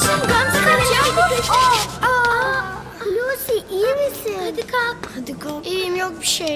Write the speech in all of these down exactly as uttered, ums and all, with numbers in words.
Açın Gamze kaçıyor. Aa, aa. Lucy iyi misin? Hadi kalk. Hadi kalk. İyiyim, yok bir şey.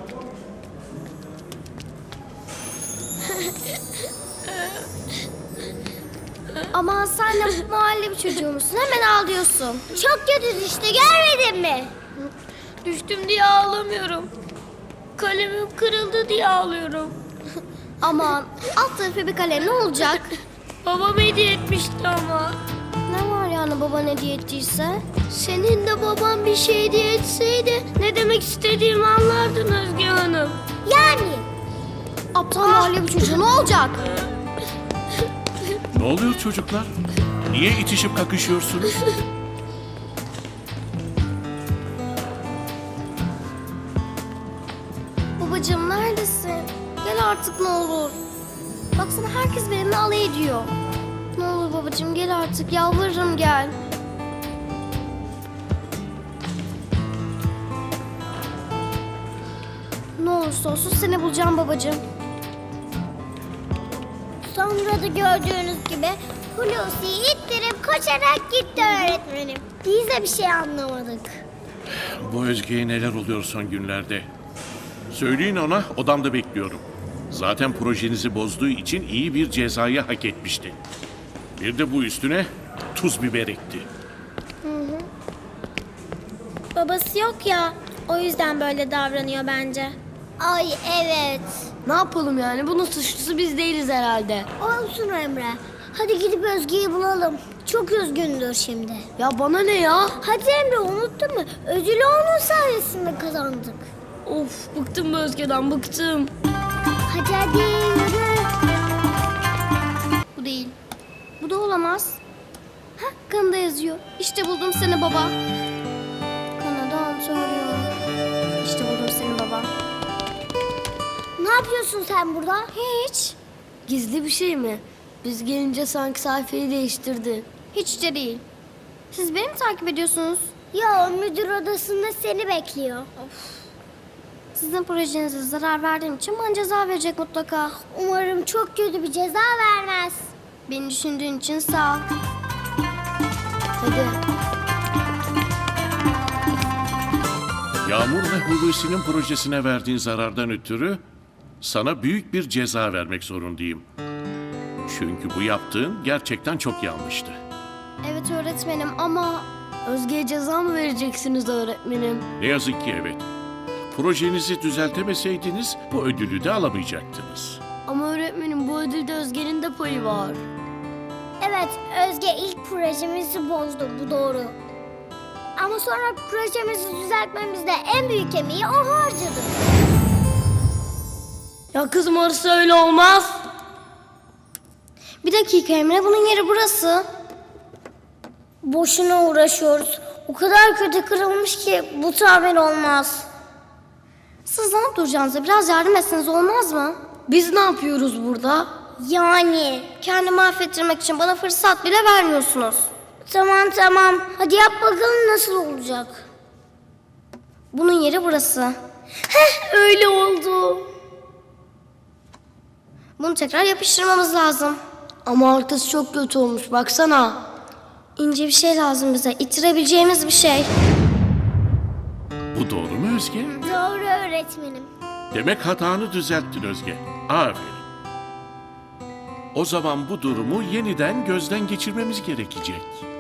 Aman sen de mahalle bir çocuğu musun? Hemen ağlıyorsun. Çok kötü işte, görmedin mi? Düştüm diye ağlamıyorum. Kalemim kırıldı diye ağlıyorum. Aman alt tarafı bir kalem ne olacak? Babam hediye etmişti ama. Ne var yani baban hediye ettiyse? Senin de baban bir şey hediye etseydi ne demek istediğimi anlardın Özge Hanım. Yani? Aptal mahalle bir çocuğu ne olacak? Ne oluyor çocuklar? Niye itişip kakışıyorsunuz? Babacığım neredesin? Gel artık ne olur. Baksana herkes benimle alay ediyor. Ne olur babacığım gel artık, yalvarırım gel. Ne olursa olsun seni bulacağım babacığım. Sonra da gördüğünüz gibi Hulusi'yi ittirip koşarak gitti öğretmenim. Biz de bir şey anlamadık. Bu Özge'ye neler oluyor son günlerde? Söyleyin ona, odamda bekliyorum. Zaten projenizi bozduğu için iyi bir cezayı hak etmişti. Bir de bu üstüne tuz biber ekti. Babası yok ya, o yüzden böyle davranıyor bence. Ay evet. Ne yapalım yani? Bunun suçlusu biz değiliz herhalde. Olsun Emre. Hadi gidip Özge'yi bulalım. Çok üzgündür şimdi. Ya bana ne ya? Hadi Emre, unuttun mu? Ödülü onun sayesinde kazandık. Of, bıktım bu Özge'den, bıktım. Hadi hadi yürü. Bu değil. Bu da olamaz. Hah, kanında yazıyor. İşte buldum seni baba. Kanada Antonio. İşte buldum seni baba. Ne yapıyorsun sen burada? Hiç. Gizli bir şey mi? Biz gelince sanki sayfayı değiştirdi. Hiç de değil. Siz beni mi takip ediyorsunuz? Ya müdür odasında seni bekliyor. Of. Sizin projenize zarar verdiğim için bana ceza verecek mutlaka. Umarım çok kötü bir ceza vermez. Beni düşündüğün için sağ ol. Hadi. Yağmur ve Hulusi'nin projesine verdiğin zarardan ötürü sana büyük bir ceza vermek zorundayım. Çünkü bu yaptığın gerçekten çok yanlıştı. Evet öğretmenim ama... Özge'ye ceza mı vereceksiniz öğretmenim? Ne yazık ki evet. Projenizi düzeltemeseydiniz bu ödülü de alamayacaktınız. Ama öğretmenim bu ödülde Özge'nin de payı var. Evet, Özge ilk projemizi bozdu, bu doğru. Ama sonra projemizi düzeltmemizde en büyük emeği o harcadı. Ya kızım orası öyle olmaz. Bir dakika Emre, bunun yeri burası. Boşuna uğraşıyoruz. O kadar kötü kırılmış ki bu tamir olmaz. Siz ne duracağınıza biraz yardım etseniz olmaz mı? Biz ne yapıyoruz burada? Yani kendimi affettirmek için bana fırsat bile vermiyorsunuz. Tamam tamam. Hadi yap bakalım nasıl olacak. Bunun yeri burası. Heh, öyle oldu. Bunu tekrar yapıştırmamız lazım. Ama arkası çok kötü olmuş baksana. İnce bir şey lazım bize. İttirebileceğimiz bir şey. Bu doğru mu Özge? Doğru öğretmenim. Demek hatanı düzelttin Özge. Aferin. O zaman bu durumu yeniden gözden geçirmemiz gerekecek.